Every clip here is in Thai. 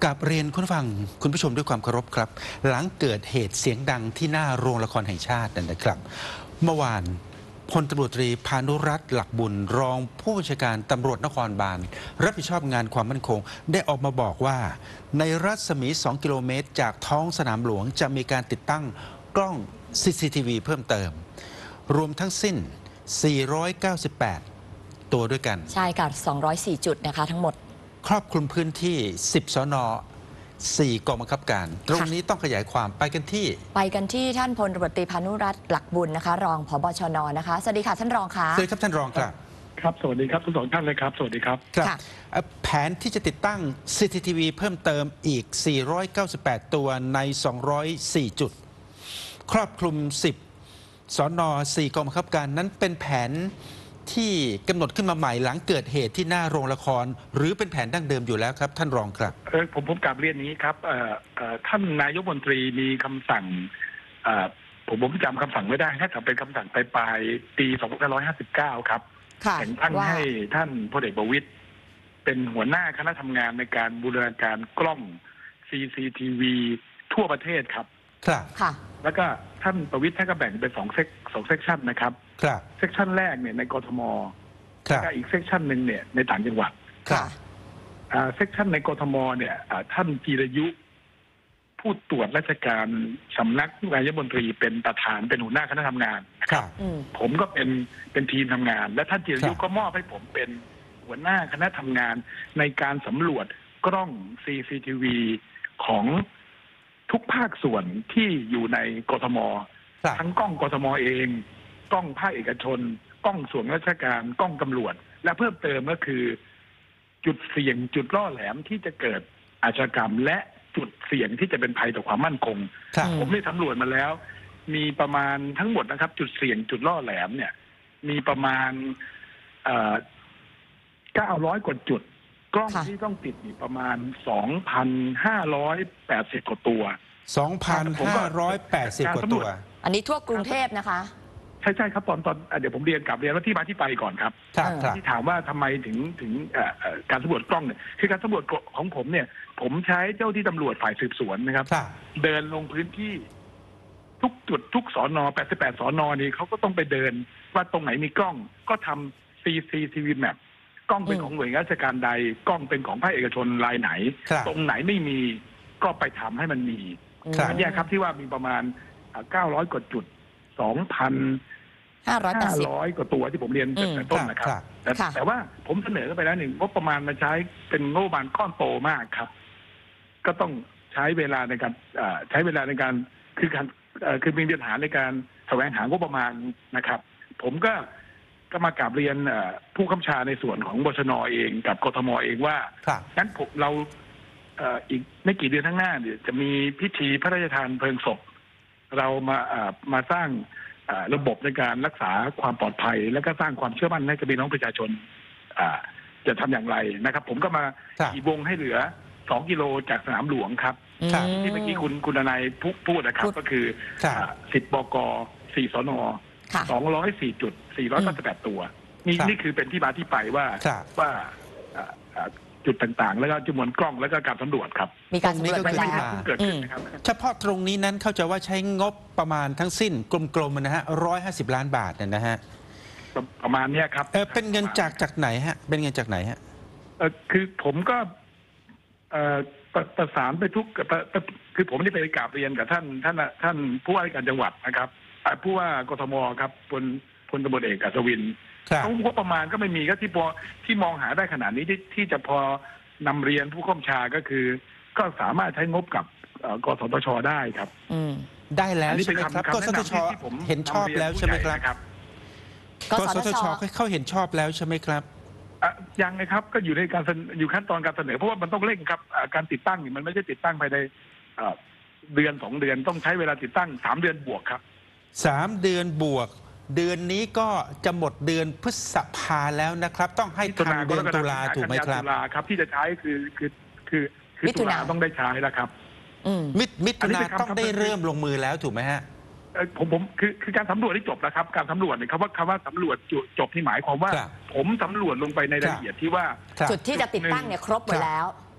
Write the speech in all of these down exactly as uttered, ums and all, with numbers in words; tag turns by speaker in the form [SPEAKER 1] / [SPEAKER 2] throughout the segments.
[SPEAKER 1] กับเรียนคุณฟังคุณผู้ชมด้วยความเคารพครับหลังเกิดเหตุเสียงดังที่หน้าโรงละครแห่งชาตินั่นนะครับเมื่อวานพลตำรวจตรีพานุรัตน์หลักบุญรองผู้บัญชาการตำรวจนครบาลรับผิดชอบงานความมั่นคงได้ออกมาบอกว่าในรัศมีสองกิโลเมตรจากท้องสนามหลวงจะมีการติดตั้งกล้อง ซี ซี ที วี เพิ่มเติมรวมทั้งสิ้นสี่ร้อยเก้าสิบแปดตัวด้วยกัน
[SPEAKER 2] ใช่ค่ะสองร้อยสี่จุดนะคะทั้งหมด
[SPEAKER 1] ครอบคลุมพื้นที่สิบสนสี่กองบังคับการตรงนี้ต้องขยายความไปกันที่
[SPEAKER 2] ไปกันที่ท่านพลตำรวจตรีพานุรัตน์หลักบุญนะคะรองผบชนนะคะสวัสดีค่ะท่านรองค่ะ
[SPEAKER 1] สวัสดีครับท่านรองครับ
[SPEAKER 3] ครับสวัสดีครับทั้งสองท่านเลยครับสวัสดีครับ
[SPEAKER 1] ครับแผนที่จะติดตั้ง ซี ซี ที วี เพิ่มเติมอีกสี่ร้อยเก้าสิบแปดตัวในสองร้อยสี่จุดครอบคลุมสิบสนสี่กองบังคับการนั้นเป็นแผนที่กำหนดขึ้นมาใหม่หลังเกิดเหตุที่หน้าโรงละครหรือเป็นแผนดั้งเดิมอยู่แล้วครับท่านรองครับ
[SPEAKER 3] เออผมผมกลับเรียนนี้ครับเอ่อเอ่อท่านนายกรัฐมนตรีมีคำสั่งเอ่อผมผมจำคำสั่งไม่ได้ถ้าจะเป็นคำสั่งปลายปีสองพันห้าร้อยห้าสิบเก้าครับแต่งตั้งให้ท่านพลเอกประวิตรเป็นหัวหน้าคณะทำงานในการบูรณาการกล้อง ซี ซี ที วี ทั่วประเทศครับ
[SPEAKER 1] ครับ
[SPEAKER 2] ค่ะ
[SPEAKER 3] แล้วก็ท่านประวิตรท่านก็แบ่งเป็นสองเซกสองเซกชันนะครับ
[SPEAKER 1] ครับ
[SPEAKER 3] เซกชันแรกเนี่ยในกทม
[SPEAKER 1] แล้ว
[SPEAKER 3] ก็อีกเซกชันหนึ่งเนี่ยในต่างจังหวัด
[SPEAKER 1] ครับ
[SPEAKER 3] อ่าเซกชันในกทมเนี่ยท่านจีรยุผู้ตรวจราชการสำนักนายกรัฐมนตรีเป็นประธานเป็นหัวหน้าคณะทำงานนะครับผมก็เป็นเป็นทีมทำงานและท่านจีรยุก็มอบให้ผมเป็นหัวหน้าคณะทำงานในการสำรวจกล้อง ซี ซี ที วี ของทุกภาคส่วนที่อยู่ในกทมทั้งกล้องกทมเองกล้องภาคเอกชนกล้องส่วนราชการกล้องตำรวจและเพิ่มเติมก็คือจุดเสี่ยงจุดล่อแหลมที่จะเกิดอาชญากรรมและจุดเสี่ยงที่จะเป็นภัยต่อความมั่นคงผมได้สำรวจมาแล้วมีประมาณทั้งหมดนะครับจุดเสี่ยงจุดล่อแหลมเนี่ยมีประมาณเอ่อเก้าร้อยกว่าจุดกล้องที่ต้องติดนี่ประมาณ สองพันห้าร้อยแปดสิบ กว่าตัว
[SPEAKER 1] สองพันห้าร้อยแปดสิบ กว่าตัว
[SPEAKER 2] อันนี้ทั่วกรุงเทพนะคะ
[SPEAKER 3] ใช่ใช่ครับตอนตอนเดี๋ยวผมเรียนกลับเรียนว่าที่มาที่ไปก่อนครับที่ถามว่าทำไมถึงถึงการสำรวจกล้องเนี่ยคือการสำรวจของผมเนี่ยผมใช้เจ้าที่ตำรวจฝ่ายสืบสวนนะครับเดินลงพื้นที่ทุกจุดทุกสนแปดสิบแปดสนนี่เขาก็ต้องไปเดินว่าตรงไหนมีกล้องก็ทำ ซี ซี ที วี Map กล้องเป็นของหน่วยงานราชการใดกล้องเป็นของภาคเอกชนรายไหนตรงไหนไม่มีก็ไปทำให้มันมีอันนี้ครับที่ว่ามีประมาณเก้าร้อยกว่าจุดสองพัน
[SPEAKER 2] ห้าร้อยแปดสิบ
[SPEAKER 3] กว่าตัวที่ผมเรียนแต่ต้นนะครับแต่แต่ว่าผมเสนอไปแล้วหนึ่งงบประมาณมาใช้เป็นงบประมาณก้อนโตมากครับก็ต้องใช้เวลาในการใช้เวลาในการคือการคือมีปัญหาในการแสวงหางบประมาณนะครับผมก็ก็มากราบเรียนผู้กำกับในส่วนของบชน.เองกับกทม.เองว่างั้นผมเราอีกไม่กี่เดือนข้างหน้าเนี่ยจะมีพิธีพระราชทานเพลิงศพเรามามาสร้างระบบในการรักษาความปลอดภัยและก็สร้างความเชื่อมั่นให้กับพี่น้องประชาชนจะทำอย่างไรนะครับผมก็มาขี่วงให้เหลือสองกิโลจากสนามหลวงครับที่เมื่อกี้คุณคุณนายพูดนะครับก็คือสิบบกสี่สนสองร้อยสี่จุดสี่ร้อยเก้าสิบแปดตัวนี่นี่คือเป็นที่มาที่ไปว่าว่าจุดต่างๆแล้วก็จำนวนกล้องแล้วก็การสำรวจครับ
[SPEAKER 2] มีการสำรวจไปแล้ว
[SPEAKER 3] เกิดขึ้นนะครับ
[SPEAKER 1] เฉพาะตรงนี้นั้นเข้าใจว่าใช้งบประมาณทั้งสิ้นกลมๆนะฮะร้อยห้าสิบล้านบาทเนี่ยนะฮะ
[SPEAKER 3] ประมาณนี้ครับ
[SPEAKER 1] เออเป็นเงินจากจากไหนฮะเป็นเงินจากไหนฮะ
[SPEAKER 3] เออคือผมก็เอ่อประสานไปทุกคือผมได้ไปกราบเรียนกับท่านท่านท่านผู้ว่าราชการจังหวัดนะครับผู้ว่ากทมครับพลพลตำรวจเอกอัศวินเขางบประมาณก็ไม่มีก็ที่พอที่มองหาได้ขนาดนี้ที่ที่จะพอนำเรียนผู้ข้อมชาก็คือก็สามารถใช้งบกับกสทช.ได้ครับ
[SPEAKER 1] ได้แล้วใช่ไหมครับกสทช.เห็นชอบแล้วใช่ไหมครับกสทช.เขาเห็นชอบแล้วใช่ไหมครับ
[SPEAKER 3] ยังเลยครับก็อยู่ในการอยู่ขั้นตอนการเสนอเพราะว่ามันต้องเร่งครับการติดตั้งมันไม่ใช่ติดตั้งภายในเดือนสองเดือนต้องใช้เวลาติดตั้งสามเดือนบวกครับ
[SPEAKER 1] สามเดือนบวกเดือนนี้ก็จะหมดเดือนพฤษภาแล้วนะครับต้องให้ทันเดือนตุลาถูกไหมครับ
[SPEAKER 3] ตุลาครับที่จะใช้คือคือคือคือตุลาต้องได้ใช้แล้วครับ
[SPEAKER 1] มิมิถุนาต้องได้เริ่มลงมือแล้วถูกไหมฮะ
[SPEAKER 3] ผมผมคือคือการสำรวจที่จบแล้วครับการสำรวจเนี่ยคำว่าคำว่าสำรวจจบที่หมายความว่าผมสำรวจลงไปในรายละเอียดที่ว่า
[SPEAKER 2] จุดที่จะติดตั้งเนี่ยครบหมดแล้ว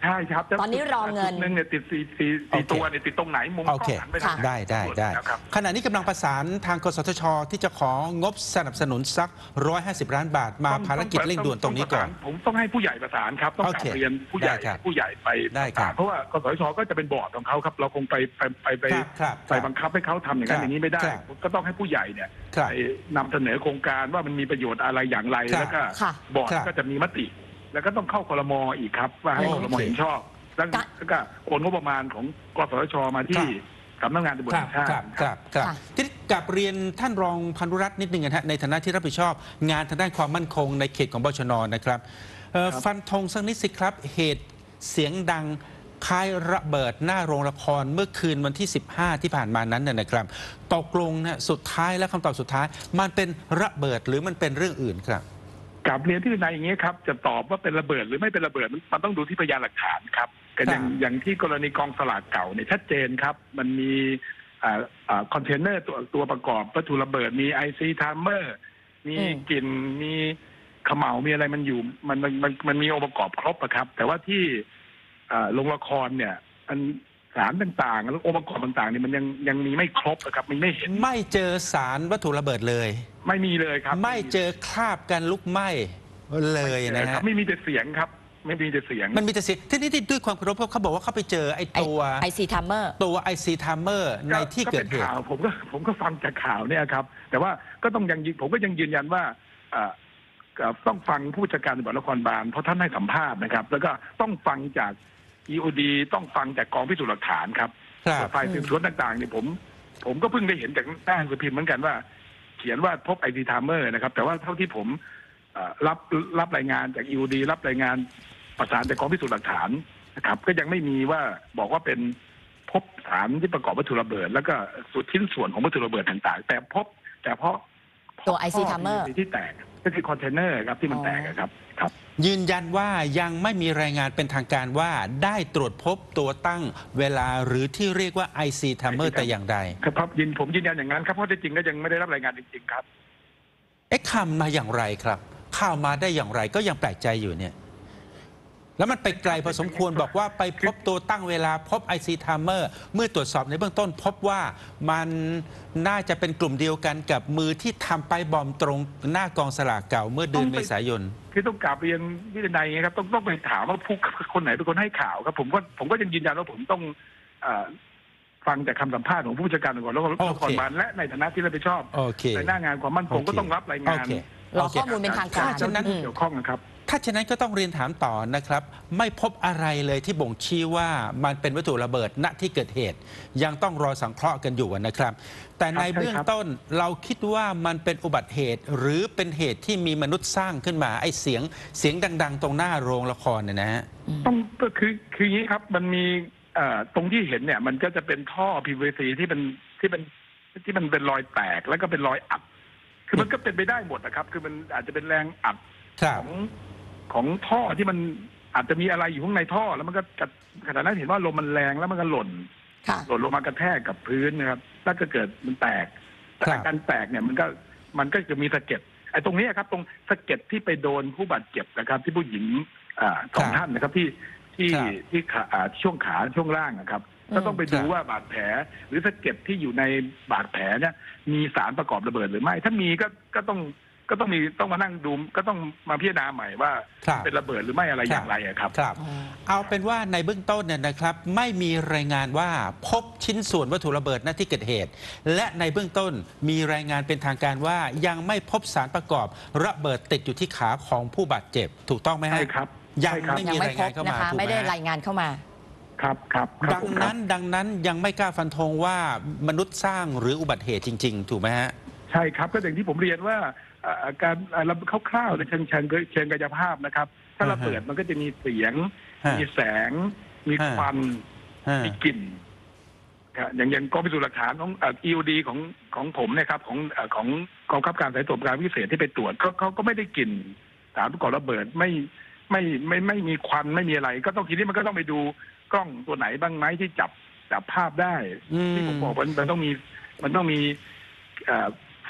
[SPEAKER 3] ใช่ครับ
[SPEAKER 2] ตอนนี้รอเงิน
[SPEAKER 3] จุดหนึ่งเนี่ยติดสี่สี่สี่ตัวเนี่ยติดตรงไหนมุมกล้
[SPEAKER 1] โอ
[SPEAKER 3] อง
[SPEAKER 1] เค
[SPEAKER 3] หันไปทางหน
[SPEAKER 1] ได้ได้ได้
[SPEAKER 3] แล้วครับ
[SPEAKER 1] ขณะนี้กำลังประสานทางกสทชที่จะของบสนับสนุนสักหนึ่งร้อยห้าสิบล้านบาทมา
[SPEAKER 3] ต้อง
[SPEAKER 1] ภารกิจ
[SPEAKER 3] ต้อง
[SPEAKER 1] เร่งด่วนตรงนี้ก่อน
[SPEAKER 3] ผมต้องให้ผู้ใหญ่ประสานครับต้อง
[SPEAKER 1] โอก
[SPEAKER 3] รา
[SPEAKER 1] เค
[SPEAKER 3] บเรียนผู้ใหญ่
[SPEAKER 1] ได้ครับ
[SPEAKER 3] ผู้ใหญ่ไป
[SPEAKER 1] ได้
[SPEAKER 3] ประ
[SPEAKER 1] ครั
[SPEAKER 3] สา
[SPEAKER 1] บ
[SPEAKER 3] นเพราะว่ากสทชก็จะเป็นบอร์ดของเขาครับเราคงไปไปไปไป
[SPEAKER 1] ครับครับ
[SPEAKER 3] ไปบังคับให้เขาทำอย่างนั้นอย่างนี้ไม่ได้
[SPEAKER 1] ครับ
[SPEAKER 3] ก็ต้องให้ผู้ใหญ่เนี่ย
[SPEAKER 1] ครับ
[SPEAKER 3] ไปนำเสนอโครงการว่ามันมีประโยชน์อะไรอย่างไร
[SPEAKER 1] ครับ
[SPEAKER 3] แล้วก็
[SPEAKER 2] ค่ะ
[SPEAKER 3] บอร์ด
[SPEAKER 1] ครับ
[SPEAKER 3] ก็จะมีมติ แล้วก็ต้องเข้าครม.อีกครับว่าให้
[SPEAKER 1] โอ
[SPEAKER 3] ค
[SPEAKER 1] เค
[SPEAKER 3] รม.เห็นชอบแล้ว
[SPEAKER 2] กะ
[SPEAKER 3] แล้วก็โอนงบประมาณของกสทชมาที่สำนักงานตำรวจ
[SPEAKER 1] ค
[SPEAKER 3] แห่
[SPEAKER 1] รับ
[SPEAKER 3] งชาติ
[SPEAKER 1] ครับครับครับ
[SPEAKER 2] ค่ะ
[SPEAKER 1] ที่กลับเรียนท่านรองพันธุรัตน์นิดนึงนะฮะในฐานะที่รับผิดชอบ งานทางด้านความมั่นคงในเขตของบชนนะครับเอ่อ
[SPEAKER 3] ครับ
[SPEAKER 1] ฟันธงสักนิดสิครับ เหตุเสียงดังคล้ายระเบิดหน้าโรงละครเมื่อคืนวันที่ สิบห้า ที่ผ่านมานั้นน่ะนะครับตกลงนะสุดท้ายและคำตอบสุดท้าย มันเป็นระเบิดหรือมันเป็นเรื่องอื่นครับ
[SPEAKER 3] กับเรียนที่นายอย่างนี้ครับจะตอบว่าเป็นระเบิดหรือไม่เป็นระเบิดมันมันต้องดูที่พยานหลักฐานครับก็อย่าง
[SPEAKER 1] ครับ
[SPEAKER 3] อย่างที่กรณีกองสลากเก่าเนี่ยชัดเจนครับ มันมีอ่าอ่าคอนเทนเนอร์ตัวตัวประกอบวัตถุระเบิดมีไอซีไทม์เมอร์มี
[SPEAKER 2] อืม
[SPEAKER 3] กลิ่นมีเขม่ามีอะไรมันอยู่มันมันมันมันมีองค์ประกอบครบอะครับ แต่ว่าที่อ่าโรงละครเนี่ยอันสารต่างๆแล้วองค์ประกอบต่างๆเนี่ยมันยังยังมีไม่ครบอะครับมันไม่เห็น
[SPEAKER 1] ไม่เจอสารวัตถุระเบิดเลย
[SPEAKER 3] ไม่มีเลยครับ
[SPEAKER 1] ไม่เจอคราบการลุกไหม้เลยนะ
[SPEAKER 3] ครั
[SPEAKER 1] ฮะ
[SPEAKER 3] บไม่มีแต่เสียงครับ ไม่มีแต่เสียง
[SPEAKER 1] มันมีแต่เสียงที่นี่ด้วยความเคารพเขาบอกว่าเขาไปเจอไอ้ตัว
[SPEAKER 2] ไอซีทัมเมอร์
[SPEAKER 1] ตัวไอซีทามเมอร์ในที่เกิดเห
[SPEAKER 3] ป็น
[SPEAKER 1] ตุ
[SPEAKER 3] ข่าวผมก็ผมก็ฟังจากข่าวเนี่ยครับ แต่ว่าก็ต้องยังยืนผมก็ยังยืนยันว่าเอ่อเอ่อต้องฟังผู้จัดการตำรวจนครบาลเพราะท่านให้สัมภาษณ์นะครับ แล้วก็ต้องฟังจาก อี โอ ดี ต้องฟังจากกองพิสูจน์หลักฐานครับ
[SPEAKER 1] ครับ
[SPEAKER 3] ฝ่ายสืบสวนต่างๆเนี่ยผม ผมก็เพิ่งได้เห็นจากหน้าหนังสือพิมพ์เหมือนกันว่า เขียนว่าพบไอซีทามเมอร์นะครับ แต่ว่าเท่าที่ผมเอ่อรับรับรายงานจาก อี โอ ดี รับรายงานประสานจากกองพิสูจน์หลักฐานนะครับ ก็ยังไม่มีว่าบอกว่าเป็นพบสารที่ประกอบวัตถุระเบิด แล้วก็ส่วนชิ้นส่วนของวัตถุระเบิดต่างๆ แต่พบแต่เพราะ
[SPEAKER 2] ตัว ไอ ซี
[SPEAKER 3] ท่
[SPEAKER 2] Timer
[SPEAKER 3] ที่แตกก็คือคอนเทนเนอร์ครับที่มันแตกอะครับครับ
[SPEAKER 1] ยืนยันว่ายังไม่มีรายงานเป็นทางการว่าได้ตรวจพบตัวตั้งเวลาหรือที่เรียกว่า ไอ ซี Timer แต่อย่างใด
[SPEAKER 3] ครับยินผมยืนยันอย่างนั้นครับเพราะที่จริงก็ยังไม่ได้รับรายงานจริงๆครับ
[SPEAKER 1] เอ๊ะข่าวมาอย่างไรครับข่าวมาได้อย่างไรก็ยังแปลกใจอยู่เนี่ย แล้วมันไปไกลพอสมควรบอกว่าไปพบตัวตั้งเวลาพบ ไอ ซี Timer เมื่อตรวจสอบในเบื้องต้น พบว่ามันน่าจะเป็นกลุ่มเดียวกันกับมือที่ทำไปบอมตรงหน้ากองสลากเก่าเมื่อเดือนเมษายน
[SPEAKER 3] คือต้องกลับเรียนวิทยาไงครับต้องต้องไปถามว่าผู้คนไหนเป็นคนให้ข่าวครับ ผมก็ผมก็ยังยืนยันว่าผมต้องเอ่อฟังจากคำสัมภาษณ์ของผู้จัดการตำรวจแล้วก็
[SPEAKER 1] โอเค
[SPEAKER 3] นครบาลและในฐานะที่รับผิดชอบ
[SPEAKER 1] โอเค
[SPEAKER 3] ในหน้างานความมั่นคง
[SPEAKER 1] โอเค
[SPEAKER 3] ก็ต้องรับรายงาน
[SPEAKER 1] โอเค
[SPEAKER 2] รอข้อมูลเป็นทางการ
[SPEAKER 1] ถ้าฉะนั้น
[SPEAKER 2] อืม
[SPEAKER 3] เกี่ยวข้องนะครับ
[SPEAKER 1] ถ้าฉะนั้นก็ต้องเรียนถามต่อนะครับ ไม่พบอะไรเลยที่บ่งชี้ว่ามันเป็นวัตถุระเบิดณที่เกิดเหตุ ยังต้องรอสังเคราะห์กันอยู่นะครับ แต่ใน
[SPEAKER 3] ครับใช่ครับ
[SPEAKER 1] เบื้องต้นเราคิดว่ามันเป็นอุบัติเหตุ หรือเป็นเหตุที่มีมนุษย์สร้างขึ้นมาไอ้เสียงเสียงดัง ๆ ตรงหน้าโรงละครเนี่ยนะฮะ
[SPEAKER 3] ต้องก็คือคืออย่างนี้ครับมันมีเอ่อตรงที่เห็นเนี่ย มันก็จะเป็นท่อ พี วี ซี ที่เป็นที่เป็นที่มันเป็นรอยแตกแล้วก็เป็นรอยอัดคือมันก็เป็นไปได้หมดนะครับ คือมันอาจจะเป็นแรงอัด
[SPEAKER 1] ครั
[SPEAKER 3] ข
[SPEAKER 1] บ
[SPEAKER 3] องของท่อที่มันอาจจะมีอะไรอยู่ข้างในท่อ แล้วมันก็กระขณะนั้นเห็นว่าลมมันแรงแล้วมันก็หล่น
[SPEAKER 2] ค่ะ
[SPEAKER 3] หล่นลงมากระแทกกับพื้นนะครับแล้วก็เกิดมันแตกแต่
[SPEAKER 1] ครับ
[SPEAKER 3] การแตกเนี่ยมันก็มันก็จะมีสะเก็ดไอ้ตรงนี้ครับ ตรงสะเก็ดที่ไปโดนผู้บาดเจ็บนะครับ ที่ผู้หญิงอ่าสองท่านนะครับที่ที่
[SPEAKER 1] ครับ
[SPEAKER 3] ที่ขาอ่าช่วงขาช่วงล่างนะครับ
[SPEAKER 2] อืม
[SPEAKER 3] ก็ต้องไปดู
[SPEAKER 1] ครับ
[SPEAKER 3] ว่าบาดแผล หรือสะเก็ดที่อยู่ในบาดแผลเนี่ย มีสารประกอบระเบิดหรือไม่ ถ้ามีก็ก็ต้องก็ต้องมีต้องมานั่งดูก็ต้องมาพิจารณาใหม่ว่า
[SPEAKER 1] ครับ
[SPEAKER 3] เป็นระเบิดหรือไม่อะไรอย่างไรอะครับ
[SPEAKER 1] ครับ เอาเป็นว่าในเบื้องต้นเนี่ยนะครับ ไม่มีรายงานว่าพบชิ้นส่วนวัตถุระเบิดณที่เกิดเหตุ และในเบื้องต้นมีรายงานเป็นทางการว่ายังไม่พบสารประกอบระเบิดติดอยู่ที่ขาของผู้บาดเจ็บ ถูกต้องไหมฮะ
[SPEAKER 3] ใช่ครับ
[SPEAKER 1] ยัง
[SPEAKER 3] ใช่ครับ
[SPEAKER 1] ไม่
[SPEAKER 2] ยัง
[SPEAKER 1] มี
[SPEAKER 2] ไม่
[SPEAKER 1] ราย
[SPEAKER 2] พ
[SPEAKER 1] งาน
[SPEAKER 2] บ
[SPEAKER 1] เข้า
[SPEAKER 2] นะ
[SPEAKER 1] มา
[SPEAKER 2] คะ
[SPEAKER 1] ถูก
[SPEAKER 2] ไม่
[SPEAKER 1] ไหม
[SPEAKER 2] ได้
[SPEAKER 1] ฮะ
[SPEAKER 2] รายงานเข้ามา
[SPEAKER 3] ครับครับครับ
[SPEAKER 1] ดังนั้นดังนั้นยังไม่กล้าฟันธงว่ามนุษย์สร้างหรืออุบัติเหตุจริง ๆ ถูกไหมฮะ
[SPEAKER 3] ใช่ครับก็อย่างที่ผมเรียนว่าเอ่อการเอ่อคร่าวๆในเชิงเชิงเชิงกายภาพนะครับ ถ้าระเบิดมันก็จะมีเสียง
[SPEAKER 1] ฮะ
[SPEAKER 3] มีแสง มีควัน
[SPEAKER 1] ฮะ
[SPEAKER 3] มีกลิ่นครับอย่างอย่างกองพิสูจน์หลักฐานของเอ่อ อี โอ ดี ของของผมเนะครับของเอ่อของกองบังคับการสายตรวจการพิเศษที่ไปตรวจเขาเขาก็ไม่ได้กลิ่นสารประกอบระเบิดไม่ไม่ไม่ไม่ไม่มีควันไม่มีอะไร ก็ต้องทีนี้มันก็ต้องไปดูกล้องตัวไหนบ้างไหมที่จับจับภาพได้
[SPEAKER 1] อืม
[SPEAKER 3] ที่ผมบอกว่ามันต้องมีมันต้องมีเอ่อไฟ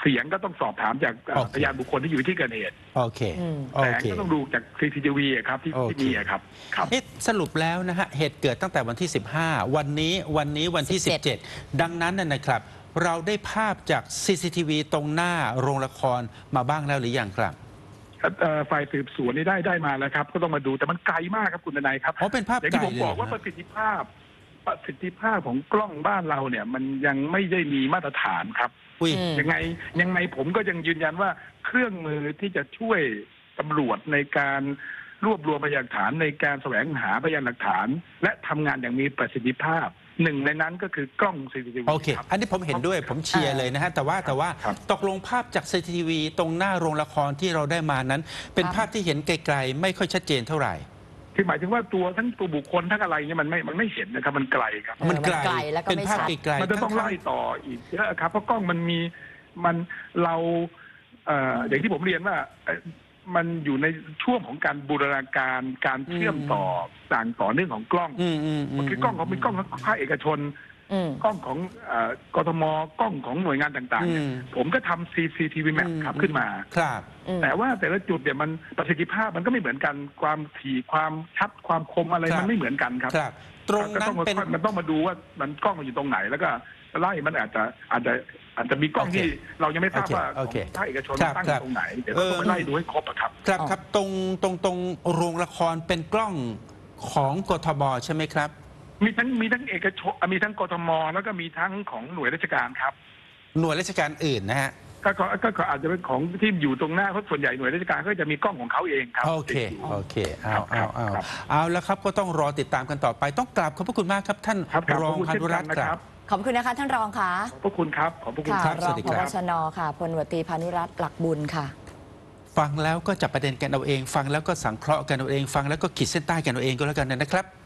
[SPEAKER 3] เสียงก็ต้องสอบถามจากเอ่อ
[SPEAKER 1] โอเค
[SPEAKER 3] พยานบุคคลที่อยู่ที่เกิดเหตุ
[SPEAKER 1] โอเค
[SPEAKER 2] อืม
[SPEAKER 1] โอ
[SPEAKER 3] แสง
[SPEAKER 1] เค
[SPEAKER 3] ก็ต้องดูจาก ซี ซี ที วี อะครับที่
[SPEAKER 1] โอเค
[SPEAKER 3] ที่มีอะครับครับ
[SPEAKER 1] เอ๊ะสรุปแล้วนะฮะเหตุเกิดตั้งแต่วันที่ สิบห้า วันนี้วันนี้วันที่
[SPEAKER 2] สิ
[SPEAKER 1] สิ
[SPEAKER 2] บบ เจ็
[SPEAKER 1] เจ็
[SPEAKER 2] ด
[SPEAKER 1] ด ดังนั้นน่ะนะครับ เราได้ภาพจาก ซี ซี ที วี ตรงหน้าโรงละครมาบ้างแล้วหรือยังครับ
[SPEAKER 3] เอ่อฝ่ายสืบสวนนี่ได้ได้มาแล้วครับ ก็ต้องมาดูแต่มันไกลมากครับคุณทนายครับ
[SPEAKER 1] อ๋อเป็นภาพ
[SPEAKER 3] อย่าง
[SPEAKER 1] ไกล
[SPEAKER 3] ที่ผม
[SPEAKER 1] เลย
[SPEAKER 3] บอก
[SPEAKER 1] เหร
[SPEAKER 3] ว่า
[SPEAKER 1] อ
[SPEAKER 3] ป
[SPEAKER 1] ฮะ
[SPEAKER 3] ระสิทธิภาพประสิทธิภาพของกล้องบ้านเราเนี่ย มันยังไม่ได้มีมาตรฐานครับ
[SPEAKER 1] อุ้ย
[SPEAKER 2] อืม
[SPEAKER 3] ยังไงยังไงผมก็ยังยืนยันว่าเครื่องมือที่จะช่วยตำรวจในการรวบรวมพยานหลักฐานในการแสวงหาพยานหลักฐาน และทำงานอย่างมีประสิทธิภาพหนึ่งในนั้นก็คือกล้อง ซี ซี ที วี
[SPEAKER 1] โอเค
[SPEAKER 3] ครับ
[SPEAKER 1] อันนี้ผมเห็นด้วยผมเชียร์เลยนะฮะแต่ว่าแต่ว่า
[SPEAKER 3] ครับ
[SPEAKER 1] ตกลงภาพจาก ซี ซี ที วี ตรงหน้าโรงละครที่เราได้มานั้น เป็น
[SPEAKER 2] ครับ
[SPEAKER 1] ภาพที่เห็นไกลๆไม่ค่อยชัดเจนเท่าไหร่
[SPEAKER 3] คือหมายถึงว่าตัวทั้งตัวบุคคลทั้งอะไรเนี่ยมันไม่มันไม่เห็นนะครับมันไกลครับ
[SPEAKER 2] เออมันไกลแล้วก็
[SPEAKER 1] เป็น
[SPEAKER 2] ไม่
[SPEAKER 1] ภาพ
[SPEAKER 2] ชัด
[SPEAKER 1] ไกลๆ
[SPEAKER 3] มันจะต้อง
[SPEAKER 1] ทั้
[SPEAKER 3] ไล่ต่ออีกเยอะครับเพราะกล้องมันมีมันเราเอ่ออย่างที่ผมเรียนว่าเอ่อมันอยู่ในช่วงของการบูรณาการการเชื่อมต่อต่างต่อเนื่องของกล้อง
[SPEAKER 1] อืมอืมอืม
[SPEAKER 3] คือกล้องของมีกล้องของภาคเอกชน
[SPEAKER 2] อืม
[SPEAKER 3] กล้องของเอ่อกทมกล้องของหน่วยงานต่างๆเนี่ย
[SPEAKER 1] อืม
[SPEAKER 3] ผมก็ทำ ซี ซี ที วี Map ครับขึ้นมา
[SPEAKER 1] ครับ
[SPEAKER 2] อืม
[SPEAKER 3] แต่ว่าแต่ละจุดเนี่ยมันประสิทธิภาพมันก็ไม่เหมือนกันความถี่ความชัดความคมอะไร
[SPEAKER 1] ครับ
[SPEAKER 3] มันไม่เหมือนกันครับ
[SPEAKER 1] ครับ ตรง
[SPEAKER 3] ก็
[SPEAKER 1] นั้
[SPEAKER 3] ต้อน งมา
[SPEAKER 1] เป็น
[SPEAKER 3] มันต้องมาดูว่ามันกล้องมันอยู่ตรงไหนแล้วก็ไล่มันอาจจะอาจจะอาจจะมีกล้อง
[SPEAKER 1] โอเค
[SPEAKER 3] ที่เรายังไม่ทราบว่า
[SPEAKER 1] โอเค
[SPEAKER 3] ของภาคเอกชน
[SPEAKER 1] ครับ
[SPEAKER 3] ตั้งอ
[SPEAKER 1] ครับ
[SPEAKER 3] ยู่ตรงไหนเดี๋ยวเราต้อง
[SPEAKER 1] เออ
[SPEAKER 3] ไปไล่ดูให้ครบอะครับ
[SPEAKER 1] ครับ
[SPEAKER 2] อ๋อ
[SPEAKER 1] ครับตรงตรงตรงโรงละครเป็นกล้องของกทบใช่ไหมครับ
[SPEAKER 3] มีทั้งมีทั้งเอกชนมีทั้งกทมแล้วก็มีทั้งของหน่วยราชการครับ
[SPEAKER 1] หน่วยราชการอื่นนะฮะ
[SPEAKER 3] ก็ก็ก็ก็อาจจะเป็นของที่อยู่ตรงหน้าเพราะส่วนใหญ่หน่วยราชการก็จะมีกล้องของเขาเองครับ
[SPEAKER 1] โอเค
[SPEAKER 3] ติดยู่
[SPEAKER 1] โอเค เอาเอาเอา
[SPEAKER 3] ครับ
[SPEAKER 1] เอาแล้วครับก็ต้องรอติดตามกันต่อไป ต้องกราบขอบพระคุณมากครับ ท่าน
[SPEAKER 3] ครับครับ
[SPEAKER 1] ร
[SPEAKER 3] ข
[SPEAKER 1] อ
[SPEAKER 3] อบ
[SPEAKER 1] ง
[SPEAKER 3] คุณ
[SPEAKER 1] พา
[SPEAKER 3] เช่น
[SPEAKER 1] นุ
[SPEAKER 3] กั
[SPEAKER 1] รั
[SPEAKER 3] น
[SPEAKER 1] ตน์
[SPEAKER 3] นะ
[SPEAKER 1] ค
[SPEAKER 3] ค
[SPEAKER 1] รั
[SPEAKER 3] รับ บ
[SPEAKER 2] ขอบคุณนะคะท่านรองค่ะ
[SPEAKER 3] ขอบพระคุณครับขอบพระคุณ
[SPEAKER 2] ค่ะ
[SPEAKER 3] ครับ
[SPEAKER 1] ส
[SPEAKER 2] ร
[SPEAKER 1] วั
[SPEAKER 2] อ
[SPEAKER 1] ส
[SPEAKER 2] ง
[SPEAKER 1] ดี
[SPEAKER 2] พ
[SPEAKER 1] ครับ
[SPEAKER 2] บชนค่ะพลตำรวจตรีพานุรัตน์หลักบุญค่ะ
[SPEAKER 1] ฟังแล้วก็จับประเด็นกันเอาเอง ฟังแล้วก็สังเคราะห์กันเอาเอง ฟังแล้วก็ขีดเส้นใต้กันเอาเองก็แล้วกันนะครับ